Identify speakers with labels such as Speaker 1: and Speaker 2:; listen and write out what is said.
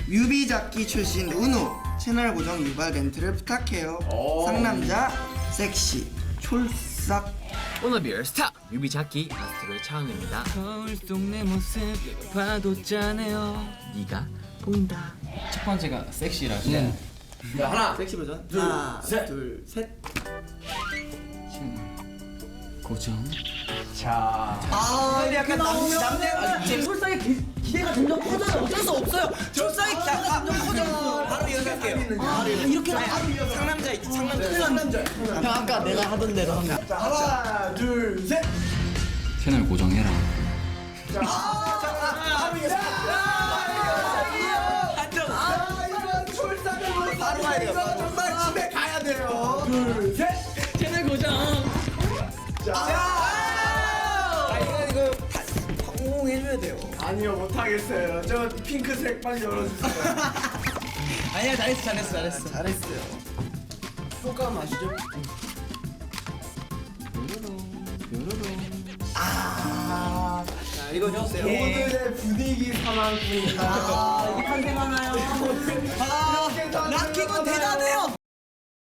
Speaker 1: 뮤비잡기 출신 은우 채널 고정 유발 멘트를 부탁해요. 상남자 섹시 촐싹.
Speaker 2: 오너비얼 스타 뮤비 잡기 아스트로의 차은우입니다.
Speaker 3: 거울 속 내 모습 봐도 짠해요.
Speaker 2: 네가 보인다.
Speaker 3: 첫 번째가 섹시라서.
Speaker 1: 하나 섹시 버전. 하나 둘 셋.
Speaker 3: 고정.
Speaker 1: 아 약간 남자
Speaker 4: 솔상의 기대가 점점 커져요. 어쩔 수 없어요. 솔상의 기대가 점점 커져요.
Speaker 1: 바로 이어갈게요.
Speaker 4: 이렇게
Speaker 1: 상남자 있지 상남자.
Speaker 4: 형 아까 내가 하던 대로 한 거.
Speaker 1: 자 하나 둘 셋.
Speaker 3: 채널 고정해라.
Speaker 1: 바로 이거 바로 가야 돼요. 정말 집에 가야 돼요. 둘 셋.
Speaker 4: 채널 고정.
Speaker 1: 이거 성공해줘야 돼요. 아니요 못하겠어요. 저 핑크색 빨리 열어주세요.
Speaker 4: 아니야 잘했어.
Speaker 1: 잘했어요. 소감 아시죠? 자 읽어주세요. 오늘의 분위기 상황입니다.
Speaker 4: 이게 탄생하나요? 락킹은 대단해요.